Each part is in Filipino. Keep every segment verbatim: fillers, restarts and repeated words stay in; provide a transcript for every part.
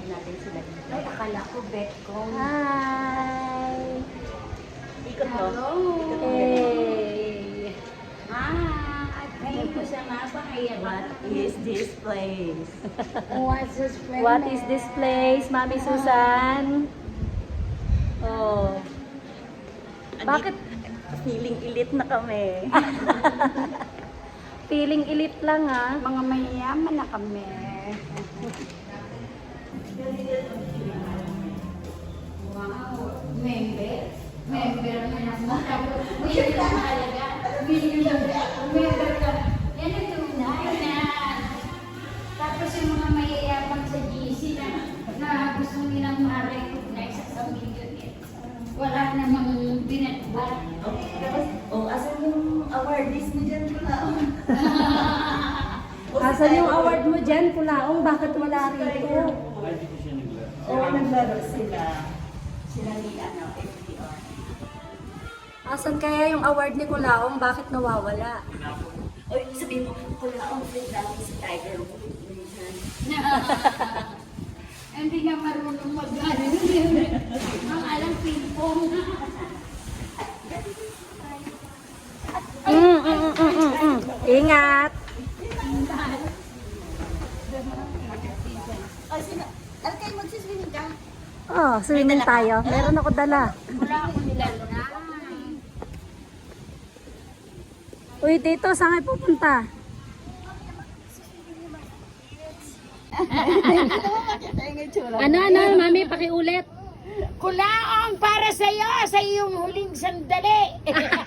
natin sila dito. Ay, akala ko bet ko. Hi! Ikot mo. Hello! Hey! Ah, at ngayon ko siya mapakaya. What is this place? What's this friend? What is this place, Mami Susan? Oh. Bakit? Feeling elite na kami. Feeling elite lang ha. Mga mayayaman na kami. Wow! Member? Member na naman. Million lang talaga. Million lang. Member ka. Yan ang tunay na. Tapos yung mga mayayaman sa G C na, na gusto nilang ma-recognize sa million. Wala namang binatbat. Oh, asan yung awardees mo dyan? Asan yung award mo dyan, Kulaong? Bakit wala rito? Oo, naglaro sila. Sila ni ano, F D R. Asan kaya yung award ni Kulaong? Bakit nawawala? Oy, sabihin mo, kula ang friend natin si Tiger Woods. Hindi nga marunong mag-ano. Ang alam ping-pong. Mm, mm, mm, mm, mm. Ingat! Oh, sino? Alkay, magsiswimming ka? Oh, swimming tayo. Meron ako dala. Wala ako nilalo na. Uy, dito, saan kayo pupunta? Ano, ano, Mami, pakiulit. Kulaong para sa'yo, sa iyong huling sandali.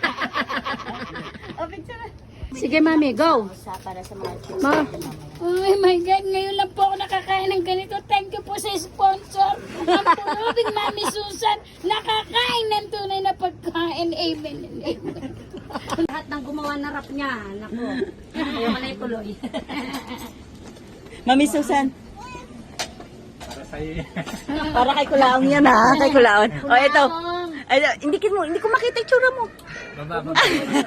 Sige, Mami, go. Para sa mga chicks. Ma. Oh my God, ngayon lang po ako nakakain ng ganito. Thank you po sa sponsor. Ang pulubing Mami Susan, nakakain ng tunay na pagkain. Amen and amen. Lahat ng gumawa na rap niya. Naku. Ayaw ka na ituloy. Mami Susan. Para sa'yo. Para kay Kulaong yan ha. Kay Kulaong. O ito. Ay, hindi, ko, hindi ko makita yung tsura mo. Baba, baba.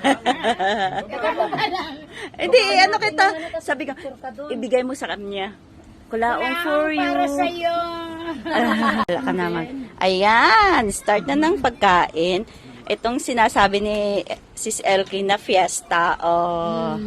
Hindi, ano kita. Sabi ko, ibigay mo sa kanya. Kulaong for you. Para sa'yo. Wala ka naman. Ayan, start na ng pagkain. Itong sinasabi ni Sis Elkie na fiesta. Oh.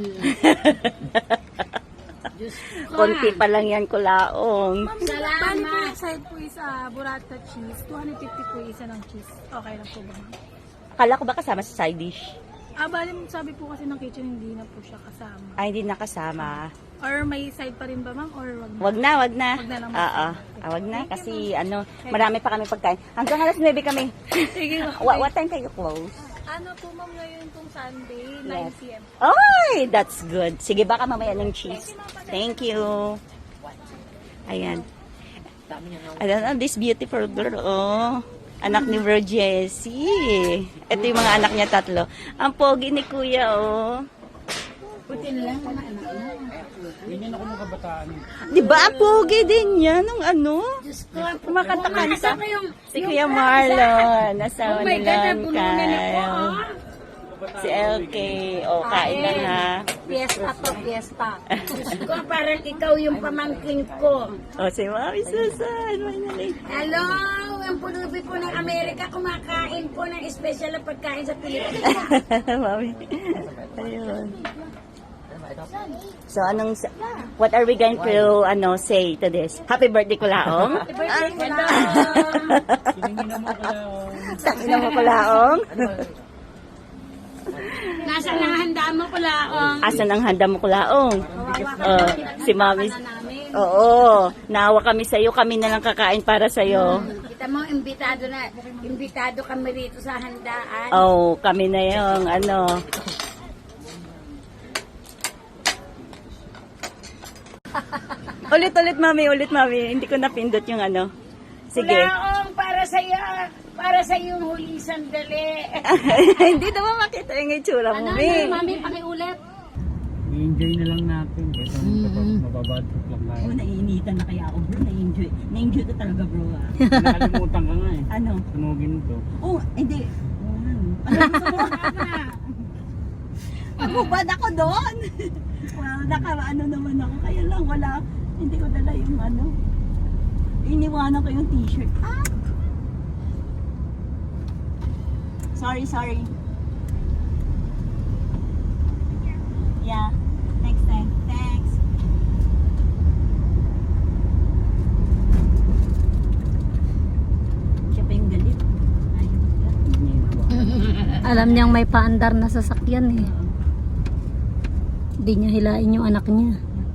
Konti pa lang yan, Kulaong. Bali po Salamat. yung side po is uh, burrata cheese. two hundred fifty po isa ng cheese. Okay lang po ba? ma'am? Akala ko ba kasama sa side dish? Ah, bali sabi po kasi ng kitchen hindi na po siya kasama. Ay, hindi nakasama. Or may side pa rin ba ma'am? Or wag na? Wag na, wag na. Wag na lang. Oo, ah, wag na. Kasi ano, marami pa kami pagkain. Hanggang alas nuwebe kami. Sige ma'am. What, what time kayo close? Ano po ma'am ngayon pong Sunday, nine p m Ay, that's good. Sige, baka mamaya ng cheese. Thank you. Ayan. Ayan, this beautiful girl, oh. Anak ni Bro Jessie. Ito yung mga anak niya tatlo. Ang pogi ni Kuya, oh. Puti na lang mga anak mo. Ganyan ako ng kabataan. Di ba, ang pogi din yan nung ano? Diyos ko, ang Kumakanta-kanta. ko yung... Si Kuya Marlon. Asawa Oh my ni God, nabulunan ako, Kayo. oh. Si L K. Oh, kain na na. Fiesta to, fiesta. Diyos ko, parang ikaw yung pamangkin ko. Oh, si Mami Susan. Finally. Hello, ang pulubi po ng Amerika, kumakain po ng espesyal na pagkain sa Pilipinas. Mami. Ayun. So, anong, what are we going to, ano, say to this? Happy birthday, Kulaong? Hello. Tiningin mo ko lang. Tangina mo, Kulaong? Nasa nang handa mo pala, oh. Asan ang handa mo, Kulaong? Oh, si Mami. namin. Oo, naawa kami sa'yo. Kami na lang kakain para sa'yo. Kita mo, imbitado na, imbitado kami rito sa handaan. Oh, kami na yung, ano. Ulit, ulit, Mami. Ulit, Mami. Hindi ko napindot yung ano. Sige. Kulaong, para sa'yo, para sa iyong huli sandali. Hindi naman makita yung itsura mo, Ano, Mi. Mami, pakiulit. I-enjoy na lang natin. Kasi mababad trip lang tayo. Oh, naiinitan na kaya ako, bro. Na-enjoy. Na-enjoy ko talaga, bro. Ah. Nakalimutan ka nga eh. Ano? Sunugin ito. Oh, hindi. Ano gusto mo? Pagubad ako doon. Well, naka, ano naman ako. Kaya lang, wala. Hindi ko dala yung ano. Iniwanan ko yung t-shirt. Ah! Sorry, sorry. Yeah. Next time. Thanks. Siya pa yung galit. Ayaw ka. Alam niyang may paandar na sasakyan eh. Hindi niya hilain yung anak niya.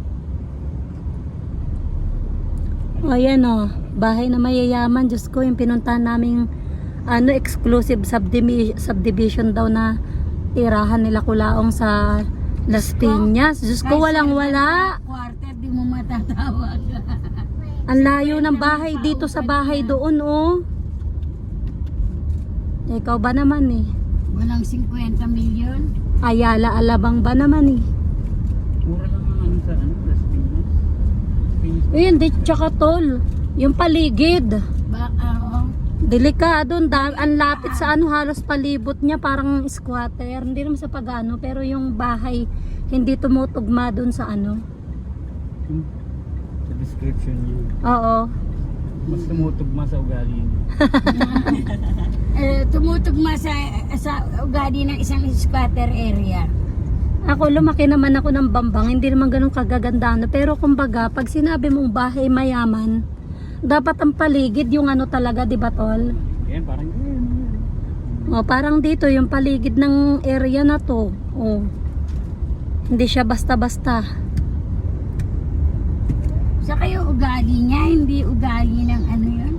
O yan o, bahay na mayayaman. Diyos ko, yung pinuntahan naming ano, exclusive subdivision, subdivision daw na tirahan nila Kulaong sa Las Piñas. Diyos ko, walang wala. Quarter, di mo matatawag. Ang layo ng bahay dito sa bahay doon oh. Ikaw ba naman eh? Walang fifty million. Ayala Alabang ba naman eh? Mura lang ang ano sa ano, Las Piñas. Las Piñas. Ayun, di tsaka tol. Yung paligid. Baka, oh. Delikado, da- ang lapit sa ano, halos palibot niya parang squatter. Hindi naman sa pagano, pero yung bahay hindi tumutugma doon sa ano. Yung- Sa description niyo. Oo. Mas tumutugma sa ugali niyo. Eh, tumutugma sa, sa ugali ng isang squatter area. Ako, lumaki naman ako ng Bambang, hindi naman ganun kagaganda, no? Pero kumbaga, pag sinabi mong bahay mayaman, dapat ang paligid yung ano talaga, di ba tol? Yan, parang yun. O, parang dito, yung paligid ng area na to. O, hindi siya basta-basta. Saka yung ugali niya, hindi ugali ng ano yun.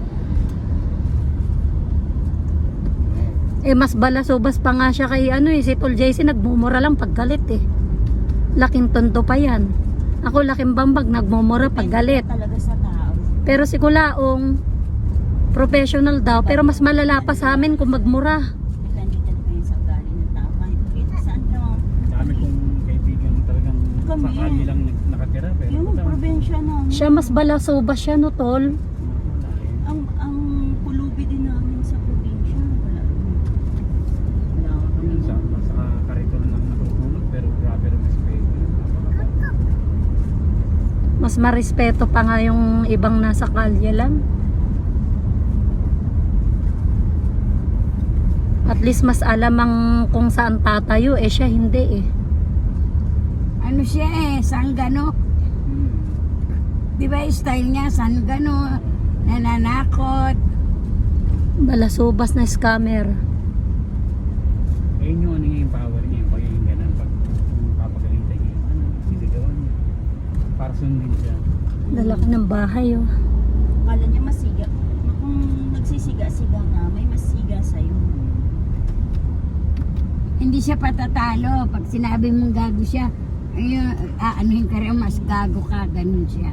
Eh, mas balasubas pa nga siya kay ano eh, si Tol J C nagmumura lang pag galit eh. Laking tondo pa yan. Ako laking Bambag, nagmumura pag galit. Talaga sa tao. Pero si Kulaong, professional daw, pero mas malala pa sa amin kung magmura. Depende talaga yun sa ugali ng tao. Kahit dito saan ka. Dami kong kaibigan talagang Kami. sa kali lang nag- nakatira. Pero Yung sa- probinsya namin. Siya mas balasubas siya no tol. wala eh. Ang ang pulubi din namin sa probinsya. Wala. Wala kami. Yun, sa, sa karito lang natutulog pero grabe rin respeto. Napakababa. Mas marespeto pa nga yung ibang nasa kalye lang. At least mas alam ang kung saan tatayo, eh siya hindi eh. Ano siya eh, sanggano. Hmm. Di ba yung style niya, sanggano, nananakot. Balasubas na scammer. Ayun yung ano yung power niya, yung pagiging ganun. Pag papagalintay niya, ano, sisigawan niya. Para sundin siya. Dala ka ng bahay oh. Akala niya masiga. Kung nagsisiga-siga nga, may masiga sa'yo. Hindi siya patatalo. Pag sinabi mong gago siya, ayun, aanuhin ka rin, mas gago ka, ganun siya.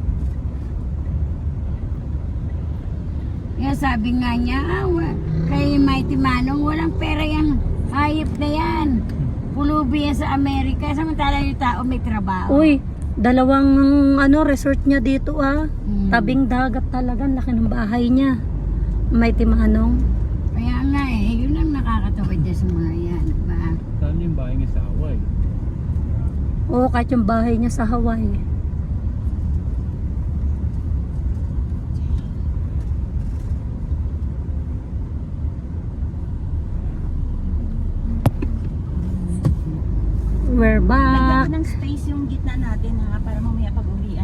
Kaya sabi nga niya, ah, wa- kay Mighty Manong, walang pera yung hayop na yan. Pulubi yan sa Amerika, samantala yung tao may trabaho. Uy, dalawang ano resort niya dito ah. Mm. Tabing dagat talaga, ang laki ng bahay niya. May timanong. Kaya nga eh, yun ang nakakatawad niya sa mga yan. Diba? Saan yung bahay niya sa Hawaii? Oo, kahit yung bahay niya sa Hawaii. We're Lagyan back. ko ng space yung gitna natin ha, para mamaya pag uwi